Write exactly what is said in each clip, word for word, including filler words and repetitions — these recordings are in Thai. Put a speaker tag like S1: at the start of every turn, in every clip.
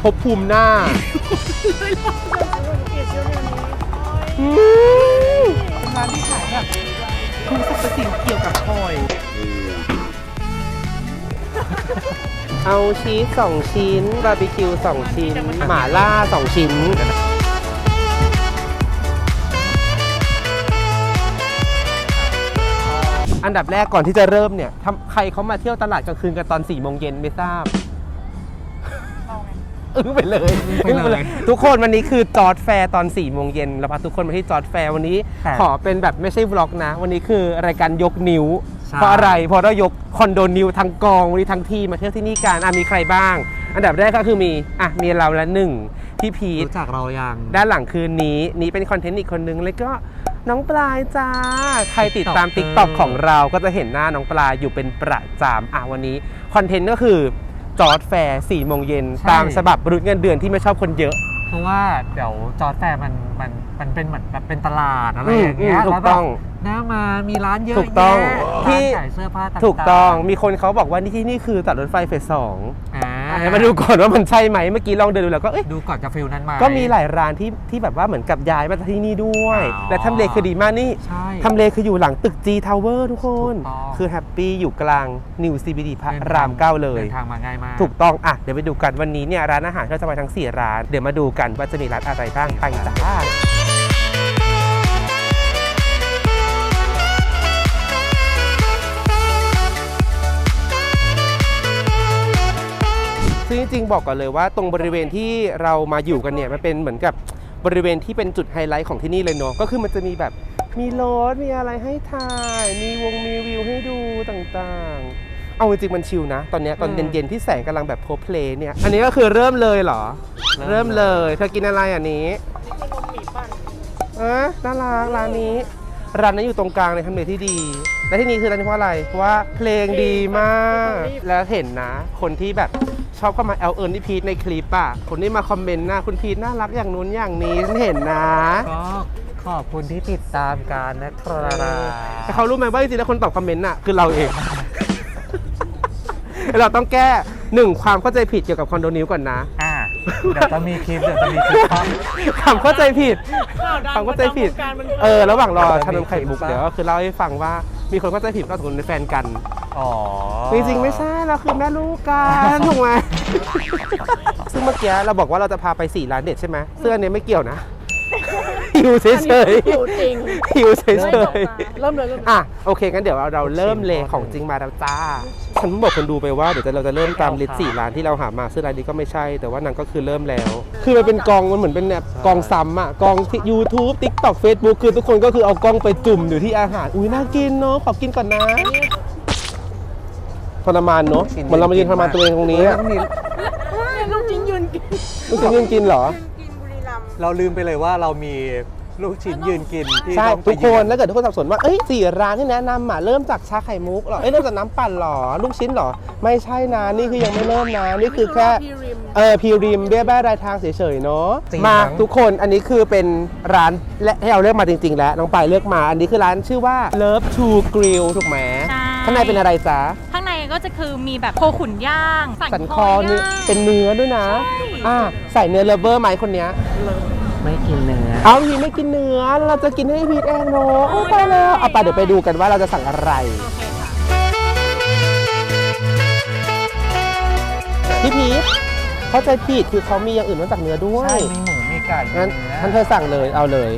S1: ภพภูมิหน้าเป็นร้านที่ขายแบบทุกสรรพสิ่งเกี่ยวกับพลอยเอาชีสสองชิ้นบาร์บีคิวสองชิ้นหม่าล่าสองชิ้นอันดับแรกก่อนที่จะเริ่มเนี่ยใครเขามาเที่ยวตลาดกลางคืนกันตอนสี่โมงเย็นไม่ทราบอึ้งไปเลยอึ้งไปเลยทุกคนวันนี้คือจอร์จแฟร์ตอนสี่โมงเย็นเราพาทุกคนมาที่จอร์จแฟร์วันนี้ขอเป็นแบบไม่ใช่วล็อกนะวันนี้คือรายการยกนิ้วเพราะอะไรเพราะเรายกคอนโดนิวทั้งกองวันนี้ทั้งทีมาเที่ยวที่นี่กันอ่ะมีใครบ้างอันดับแรกก็คือมีอ่ะมีเราละหนึ่งพี่พีท
S2: รู้จักเรายัง
S1: ด้านหลังคืนนี้นี้เป็นคอนเทนต์อีกคนนึงแล้วก็น้องปลายจ้าใครติดตาม ติ๊กต็อก ของเราก็จะเห็นหน้าน้องปลายอยู่เป็นประจำอ่ะวันนี้คอนเทนต์ก็คือจอร์จแฟร์สี่โมงเย็นตามฉบับมนุษย์เงินเดือนที่ไม่ชอบคนเยอะ
S2: เพราะว่าเดี๋ยวจอร์จแฟร์มันมันมันเป็นเหมือนแบบเป็นตลาดอะไรอย่างเงี้ย
S1: ถูกต้อง
S2: หน้ามามีร้านเยอะ
S1: ถูกต้อง
S2: ที่ขายเสื้อผ้าต่างๆ
S1: ถูกต้องมีคนเขาบอกว่านี่ที่นี่คือตัดรถไฟเฟสสอง
S2: อ่า
S1: มาดูก่อนว่ามันใช่ไหมเมื่อกี้ลองเดินดูแล้วก็เอ๊ะ
S2: ดูก่อนจะฟิลนั้นมา
S1: ก็มีหลายร้านที่ที่แบบว่าเหมือนกับย้ายมาที่นี่ด้วยและทำเลคือดีมากนี่ทำเลคืออยู่หลังตึก G Tower ทุกคนคือแฮปปี้อยู่กลาง New ซี บี ดี พระรามเก้าเลย
S2: เดินทางมาง่ายมาก
S1: ถูกต้องอ่ะเดี๋ยวไปดูกันวันนี้เนี่ยร้านอาหารเราจะไปทั้งสี่ร้านเดี๋ยวมาดูกันว่าจะมีร้านอะไรบ้างไปจ้าซึ่งจริงๆบอกก่อนเลยว่าตรงบริเวณที่เรามาอยู่กันเนี่ยมันเป็นเหมือนกับบริเวณที่เป็นจุดไฮไลท์ของที่นี่เลยเนาะก็คือมันจะมีแบบมีรถมีอะไรให้ถ่ายมีวงมีวิวให้ดูต่างๆเอาจริงๆมันชิลนะตอนนี้ตอนเย็นๆที่แสงกำลังแบบโพเพลย์เนี่ยอันนี้ก็คือเริ่มเลยเหรอเริ่มเลยเธอกินอะไรอันนี้เออน่ารักร้านนี้ร้านนั้นอยู่ตรงกลางในทำเลที่ดีและที่นี้คือร้านเพราะอะไรเพราะว่าเพลงดีมากแล้วเห็นนะคนที่แบบชอบเข้ามาแอลเอิร์นที่พีทในคลิปอ่ะคนที่มาคอมเมนต์นะคุณพีทน่ารักอย่างนู้นอย่างนี้ฉันเห็นนะ
S2: ก็ขอบคุณที่ติดตามกันนะครับ
S1: แต่เขารู้ไหมว่าจริงๆแล้วคนตอบคอมเมนต์น่ะคือเราเองเราต้องแก้หนึ่งความเข้าใจผิดเกี่ยวกับคอนโดนิวก่อนนะ
S2: อ่าเดี๋ยวจะมีคลิปเดี๋ยวจะมีคลิป
S1: ความเข้าใจผิดความเข้าใจผิดเออระหว่างรอชานมไข่มุกเดี๋ยวก็คือเล่าให้ฟังว่ามีคนเข้าใจผิดว่าสมมติเป็นแฟนกัน
S2: อ๋อ
S1: จริงๆไม่ใช่เราคือแม่ลูกกันถูกไหมซึ่งเมื่อกี้เราบอกว่าเราจะพาไปสี่ร้านเด็ดใช่ไหมเสื้อเนี้ยไม่เกี่ยวนะหิวเฉยๆหิวจริงหิวเฉยๆเริ่มเลยเริ่มอ่ะโอเคงั้นเดี๋ยวเราเริ่มเลยของจริงมาแล้วจ้าฉันบอกคนดูไปว่าเดี๋ยวเราจะเริ่มตามลิสต์สี่ร้านที่เราหามาซึ่งร้านนี้ก็ไม่ใช่แต่ว่านางก็คือเริ่มแล้วคือมันเป็นกองมันเหมือนเป็นแบบกองซ้ำอ่ะกอง YouTube TikTok Facebook คือทุกคนก็คือเอากล้องไปจุ่มอยู่ที่อาหารอุ้ยน่ากินเนาะขอกินก่อนนะทรมานเนาะเหมือนเรามายืนทรมานตัวเองตรงนี้
S3: ลูกชิ้นยืนกิน
S1: ลูกชิ้นยืนกินเหรอ
S2: เราลืมไปเลยว่าเรามีลูกชิ้นยืนกินที่
S1: ใช่ทุกคนแล้วเกิดทุกคนสับสนว่าเอ้ยสี่ร้านที่แนะนำอ่ะเริ่มจากชาไข่มุกหรอเอ้ยเริ่มจากน้ำปั่นหรอลูกชิ้นหรอไม่ใช่นะนี่คือยังไม่เริ่มนะนี่คือแค่เออพีริมเบี้ยแบ้รายทางเฉยๆเนาะมาทุกคนอันนี้คือเป็นร้านและให้เราเลือกมาจริงๆแล้วน้องปายเลือกมาอันนี้คือร้านชื่อว่า Love to Grill ถูกไหมข้างในเป็นอะไรจ๊ะ
S3: ข้างในก็จะคือมีแบบโคขุนย่าง
S1: สันคอเนื้อเป็นเนื้อด้วยนะอ่าใส่เนื้อเลเวอร์ไหมคนเนี้ย
S2: ไม่กินเนื้อ
S1: เอาพีไม่กินเนื้อเราจะกินให้พีทเองเนาะไปแล้วเอาไปเดี๋ยวไปดูกันว่าเราจะสั่งอะไรพี่พีทเข้าใจผิดคือเขามีอย่างอื่นนอกจากเนื้อด้วย
S2: ใช่มีหมูมีไก่
S1: งั้นท่านเธอสั่งเลยเอาเลย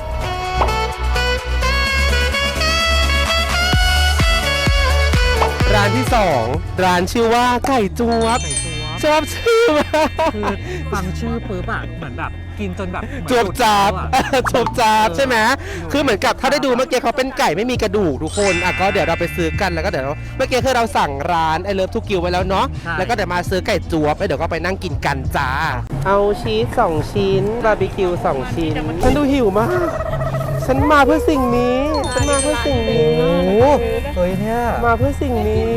S1: ร้านที่สองร้านชื่อว่าไก่จวบชอบชื่อมาก
S2: คือฟังชื่อปุ๊บอะเหมือนแบบกินจนแบบ
S1: จวบจับจวบจับใช่ไหมคือเหมือนกับถ้าได้ดูเมื่อกี้เขาเป็นไก่ไม่มีกระดูกทุกคนอ่ะก็เดี๋ยวเราไปซื้อกันแล้วก็เดี๋ยวเมื่อกี้คือเราสั่งร้านไอเลิฟทูกิวไว้แล้วเนาะแล้วก็เดี๋ยวมาซื้อไก่จวบแล้วเดี๋ยวก็ไปนั่งกินกันจ้าเอาชีสสองชิ้นบาร์บีคิวสองชิ้นฉันดูหิวมากฉันมาเพื่อสิ่งนี้ฉันมาเพื่อสิ่งนี้โอ้
S2: โหเฮ้ยเนี่ย
S1: มาเพื่อสิ่งนี้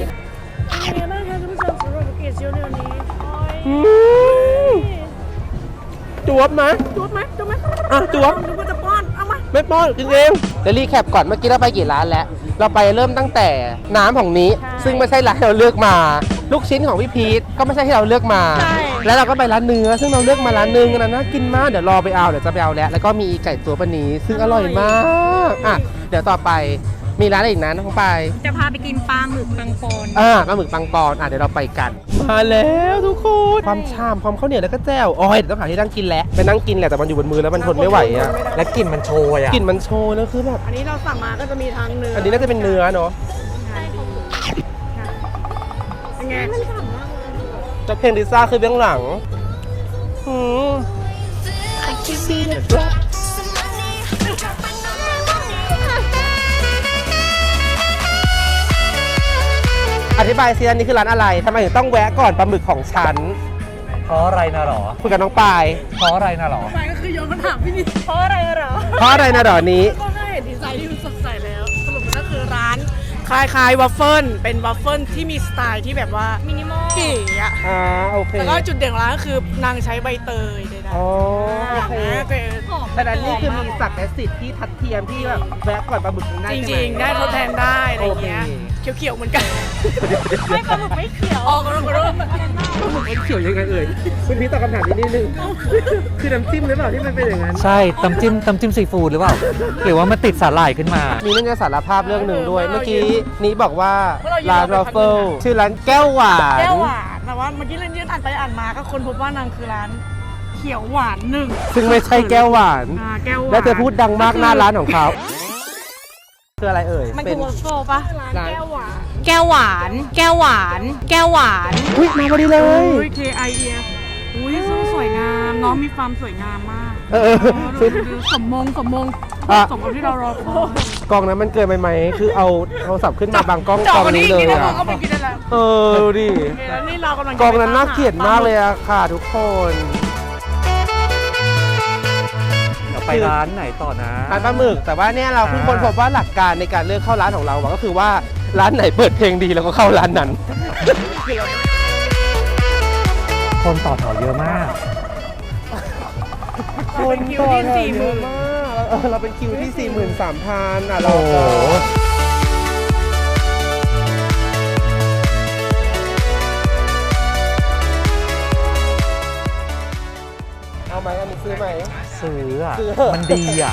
S1: จวบไหม
S3: จวบไหมจวบไหม
S1: อ่ะจวบ
S3: นึกว่าจะป้อนเอามา
S1: ไม่ป้อนจริงเองเดี๋ยวรีแคปก่อนเมื่อกี้เราไปกี่ร้านแล้วเราไปเริ่มตั้งแต่น้ำของนี้ซึ่งไม่ใช่ร้านที่เราเลือกมาลูกชิ้นของพี่พีทก็ไม่ใช่ที่เราเลือกมาแล้วเราก็ไปร้านเนื้อซึ่งเราเลือกมาร้านนึงนะน่ากินมากเดี๋ยวรอไปเอาเดี๋ยวจะไปเอาแล้วแล้วก็มีไก่ตัวปนนี้ซึ่งอร่อยมากอ่ะเดี๋ยวต่อไปมีร้านอะไรอีกนะน้องไปาย
S3: จะพาไปกินปลาหมึกปังปอน
S1: อ่าปลาหมึกปังปอนอ่ะเดี๋ยวเราไปกัน มาแล้วทุกคนความชามความข้าวเหนียวแล้วก็แจ่วโอ้ยเดี๋ยวต้องหาที่นั่งกินแล้วไปนั่งกินแหละแต่มันอยู่บนมือแล้วมันทนไม่ไหวอ่ะ
S2: และกลิ่นมันโชยอ่ะ
S1: กลิ่นมันโชยแล้วคือแบบ
S3: อันนี้เราสั่งมาก็จะมีทั้งเนื้อ
S1: อั
S3: อั
S1: นนี้น่าจะเป็นเนื้อเนาะ
S3: เป็นไง
S1: แต่เพลงลิซ่าคือเบื้องหลังหืมอธิบายซิอันนี้คือร้านอะไรทำไมถึงต้องแวะก่อนปลาหมึกของฉัน
S2: เพราะอะไรนะหรอ
S1: คุยกับน้องปาย
S2: เพราะอะไรนะหรอ
S3: ไปก็คือโยนคำถามพี่นี่เพราะอะไรเหรอ
S1: เพราะอะไรนะดอกนี้
S3: ก็ให้เห็นดีไซน์ที่มันสดใสแล้วสรุปมันก็คือร้านคล้ายๆวัฟเฟิลเป็นวัฟเฟิลที่มีสไตล์ที่แบบว่ามินิมอลเก๋อะ
S1: อ่าโอเค
S3: แล้วก็จุดเด่นของร้านก็คือนางใช้ใบเตยใดๆ
S1: อ๋อโอเค
S3: แต่
S1: แต่อันนี้คือมีศักดิ์และสิทธิ์ที่ทัดเทียมที่แบบแวะก่อนปลาหมึกได้
S3: จ
S1: ใช่ไหม
S3: ริงๆ ได้ทดแทนได้อะไรอย่างเงี้ย
S1: โอ
S3: เขียวๆเหมือนกันไม่ปลาหมึกไม่เขียวออกมาแล้วก็
S1: ปลาหมึกเป็นเขียวยังไงเอ่ยคุณพี่ตอบคำถามนี้นิดนึงคือน้ำจิ้มหรือเปล่าที่มันเป็นอย่างนั้น
S2: ใช่ตำจิ้มตำจิ้มซีฟู้ดหรือเปล่า หรือว่ามันติดสาหร่ายขึ้นมา
S1: มีเรื่องจะสารภาพเรื่องหนึ่งด้วย เมื่อกี้นี้บอกว่าร้านวอฟเฟิลชื่อร้านแก้วหวาน
S3: แก้วหวานแต่ว่าเมื่อกี้เล่นยืนอ่านไปอ่านมาก็คนพบว่านางคือร้านเขียวหวานหนึ่ง
S1: ซึ่งไม่ใช่แก้วหวาน
S3: อ่าแก้วหวาน
S1: และเธอพูดดังมากหน้าร้านของเขาคืออะไรเอ่ย
S3: มัน
S1: เป็
S3: คื
S1: น
S3: อวอฟเฟิลปะ
S1: ร้าน
S3: แก้วหวาน แก้วหวาน แก้วหวาน แก้วหวาน
S1: อุ้ยมาพอดีเลย
S3: อุ้ย K I E F อุ้ยสู้สวยงาม น้องมีความสวยงามมาก
S1: เออ
S3: ดูดูดูสมมงสมมง
S1: อ่ะ
S3: สมกับที่เรารอคอย
S1: กล้องนั้นมันเกินไปไหมคือเอาโทรศัพท์ขึ้นมาบางกล้องกล้องนี้เลย
S3: จอ
S1: อะ
S3: เอาไปกินได้แล้ว
S1: เออดูดิ
S3: โอเคแล้วนี่เรากำลังจะ
S1: กล้องนั้นน่า
S3: ไปต
S1: เกลียดมากเลยอะค่ะทุกคน
S2: เดี๋ยวไปร้านไหนต่อนะ
S1: ร้านปลาหมึกแต่ว่าเนี่ยเราเพิ่ง
S2: อ่า
S1: ค้นพบว่าหลักการในการเลือกเข้าร้านของเราอะก็คือว่าร้านไหนเปิดเพลงดีเราก็เข้าร้านนั้น
S2: คนต่อแถวเยอะมาก
S3: เป็นคิวที่สี่หมื่น
S1: เออเราเป็นคิวที่ สี่หมื่นสามพัน อ่ะเรา
S2: โอ้โห
S1: เอาไหมอันนี้ซื้อไหม
S2: ซื้ออ่ะ
S1: ซื้อ
S2: มันดีอ่ะ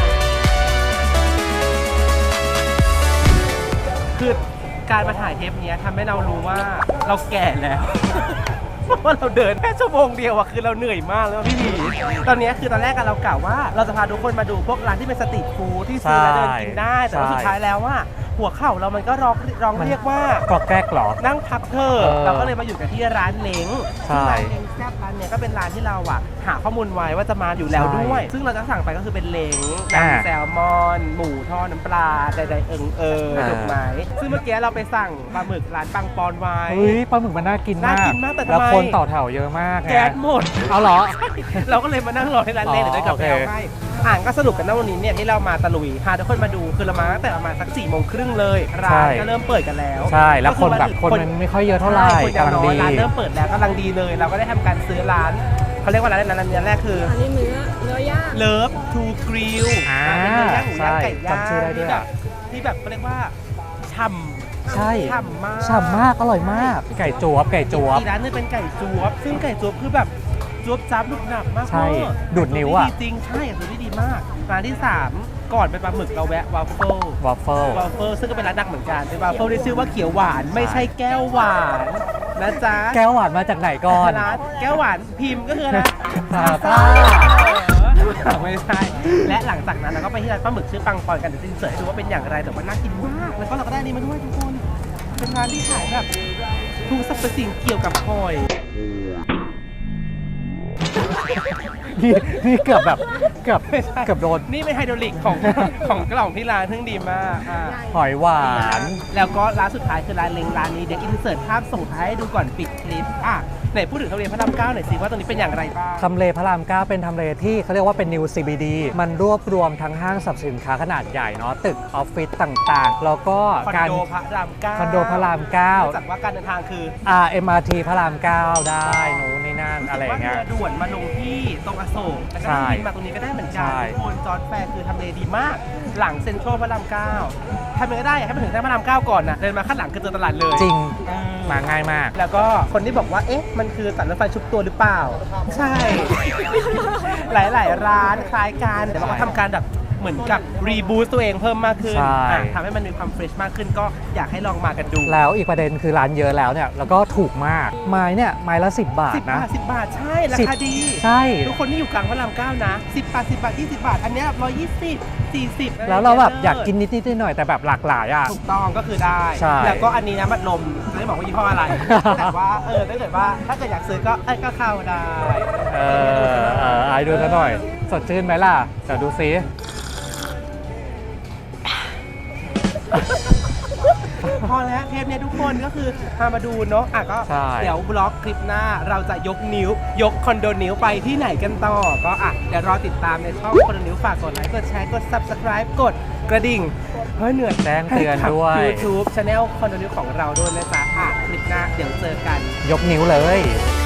S1: คือการมาถ่ายเทปเนี้ยทำให้เรารู้ว่าเราแก่แล้ว เพราะว่าเราเดินแค่ชั่วโมงเดียวอะคือเราเหนื่อยมากแล้วพี่หมีตอนเนี้ยคือตอนแรกอะเรากล่าวว่าเราจะพาทุกคนมาดูพวกร้านที่เป็นสตรีทฟู้ดที่ซื้อแล้วเดินกินได้ แต่ว่า
S2: ใช่
S1: สุดท้ายแล้วว่าหัวเข่าเรามันก็ร้องร้อง
S2: มัน
S1: เรียกว่า
S2: กรอกแกรกเหรอ
S1: นั่งพักเธอะ
S2: เออ
S1: เราก็เลยมาอยู่กันที่ร้านเล้ง
S2: ใช่
S1: ซึ่งร้านเล้งแซ่บร้านเนี้ยก็เป็นร้านที่เราอะหาข้อมูลไว้ว่าจะมาอยู่แล้ว
S2: ใช่
S1: ด้วย ซึ่งเราจะสั่งไปก็คือเป็นเล้ง
S2: อ่า
S1: แซลมอน หมูทอดน้ำปลาใดๆเอิงเออ
S2: อ่า
S1: ถูกไหมซึ่งเมื่อกี้เราไปสั่งปลาหมึกร้านปังปอนไว้
S2: เฮ้ยปลาหมึกมันน่ากินมาก
S1: น่ากินมากแต่ทำไม
S2: แล้วคนต่อแถวเยอะมากไง
S1: แก๊สหมด
S2: เอาเหรอ
S1: เราก็เลยมานั่งรอที่ร้านเล้ง
S2: อ๋อ
S1: เดี๋ยวได้กลับไป
S2: โอเค
S1: เอาให้อ่านก็สรุปกันนะวันนี้เนี่ยที่เรามาตะลุยพาทุกคนมาดูคือเรามาตั้งแต่ประมาณสักสี่โมงครึ่งเลยร้านก็เริ่มเปิดกันแล้ว
S2: ใช่แล้วคนแบบ
S1: ก็
S2: คน
S1: อ
S2: มันไม่ค่อยเยอะเท่าไหร่
S1: ใช่คนยัง
S2: กำลัง
S1: น้อย
S2: ดี
S1: ร้านเริ่มเปิดแล้วกำลังดีเลย เราก็ได้ทำการซื้อร้านเขาเรียกว่าร้านอะไรนะร้านแรกคือ
S3: อันนี้เนื้อเนื้อย่าง
S1: เลิฟทูกริล
S2: อ่า
S1: เป็นเนื้อย่างหมูย่างไก่ย่าง
S2: จำชื่อได้ด้วย
S1: ที่แบบที่แบบเขาเรียกว่าฉ่ำ
S2: ใช่
S1: ฉ่ำมาก
S2: ฉ่ำมาก อร่อยมาก ไก่จวบ ไก่จวบ
S1: อีกร้านหนึงเป็นไก่จวบ ซึ่งไก่จวบคือแบบจวบจับหนุบหนับมาก
S2: ใช่
S1: เวอร์
S2: ดูดนิ้วอะ
S1: จริงๆใช่สูตรที่ดีมากร้านที่สามก่อนเป็นปลาหมึกเราแวะวาฟเฟิล
S2: วอฟเฟิล
S1: วาฟเฟิลซึ่งก็เป็นร้านดังเหมือนกันเป็นวาฟเฟิลที่ชื่อว่าเขียวหวานไม่ใช่แก้วหวานนะจ๊ะ
S2: แก้วหวานมาจากไหนก่อน
S1: ร้านแก้วหวานพิมพ์ก็คืออะไร
S2: ซาซ่า
S1: ไม่ใช่ และหลังจากนั้นเราก็ไปที่ร้านปลาหมึกชื่อปังปอนกันเดี๋ยวจะเสิร์ชให้ดูว่าเป็นอย่างไรแต่ว่าน่ากินมากแล้วก็เราก็ได้อันนี้มาด้วยทุกคนเป็นร้านที่ขายแบบทุกสรรพสิ่งเกี่ยวกับหอย
S2: นี่นี่เกือบแบบเกือบเกือบโดน
S1: นี่เป็นไฮดรอลิกของ ของกล่องที่ร้านเพิ่งดีมากอ่ะ
S2: หอยหวาน
S1: แล้วก็ร้านสุดท้ายคือร้านเล้งร้านนี้เดี๋ยวอินเสิร์ตภาพส่งท้ายให้ดูก่อนปิดคลิปอ่ะไหนพูดถึงทำเลพระรามเก้าหน่อยสิว่าตรงนี้เป็นอย่างไรบ้าง
S2: ทำเลพระรามเก้าเป็นทำเลที่เขาเรียกว่าเป็น New ซี บี ดี มันรวบรวมทั้งห้างสรรพสินค้าขนาดใหญ่เนาะตึกออฟฟิศต่างๆ แล้วก็
S1: คอน
S2: การ
S1: โดพระรามเก้า
S2: คอนโดพระรามเก้า
S1: จากว่าการเดินทางคือ
S2: อ่า เอ็ม อาร์ ที พระรามเก้าได้นู้นนี่นั่นอะไรอย่างเงี้ย
S1: ว่าเรือด่วนมาลงที่ตรงอโศกแล้วก็
S2: ใช่
S1: นั่งบินมาตรงนี้ก็ได้ไหมมือนกัน
S2: ใช่
S1: ทุกคนจอร์จแฟร์คือทำเลดีมากหลังเซ็นทรัลพระรามเก้าทำยังไงก็ได้ให้มันถึงเส้นพระรามเก้าก่อนนะเดินมาข้างหลังคือเจอตลาดเลย
S2: จริง
S1: เออ
S2: มาง่ายมาก
S1: แล้วก็คนที่บอกว่าเอ๊ะมันคือตัดรถไฟชุบตัวหรือเปล่า ใช่ หลายๆ ร้านคล้ายกันแต่ว่าเขาทำการแบบเหมือนกับรีบูสตัวเองเพิ่มมากขึ้น
S2: ใช่
S1: อ่ะทำให้มันมีความเฟรชมากขึ้นก็อยากให้ลองมากันดู
S2: แล้วอีกประเด็นคือร้านเยอะแล้วเนี่ยแล้วก็ถูกมากไม้เนี่ยไม้ละสิบบาท
S1: สิบ
S2: นะ
S1: บาทสิบบาทใช่ รา
S2: สิบ
S1: คาดี
S2: ใช่
S1: ทุกคนที่อยู่กลางพระรามเก้านะสิบบาทสิบบาทยี่สิบบาท อันเนี้ร้อยยี่สิบสี่สิบ
S2: แล้วเราแบบอยากกินนิดนิดๆหน่อยๆแต่แบบหลากหลายอ่ะ
S1: ถูกต้องก็คือได้
S2: ใช่
S1: แล้วก็อันนี้นะมัดลมไม่ได้บอกว่ายี่ห้อ อะไร แต่ว่าเออถ้าเกิดว่าถ้าเกิดอยากซื้อก็เอ้ยก็เข้าได้
S2: เออเออไอ้ดูซะหน่อย สดชื่นไหมล่ะเดี๋ยวดูซิ
S1: พอแล้วเทปเนี้ยทุกคนก็คือพามาดูเนาะอ่ะก็
S2: ใช่
S1: เดี๋ยวบล็อกคลิปหน้าเราจะยกนิ้ว ยกคอนโดนิ้วไปที่ไหนกันต่อ ก็อ่ะเดี๋ยวรอติดตามในช่องคอนโดนิ้วฝากกดไลค์กดแชร์กด Subscribe กดกระดิ่งเฮ้ยเหนื่อย
S2: แจ้งเตือนด้วย
S1: ให้กับ YouTube Channel คอนโดนิ้วของเราด้วยนะจ๊ะอ่ะคลิปหน้าเดี๋ยวเจอกัน
S2: ยกนิ้วเลย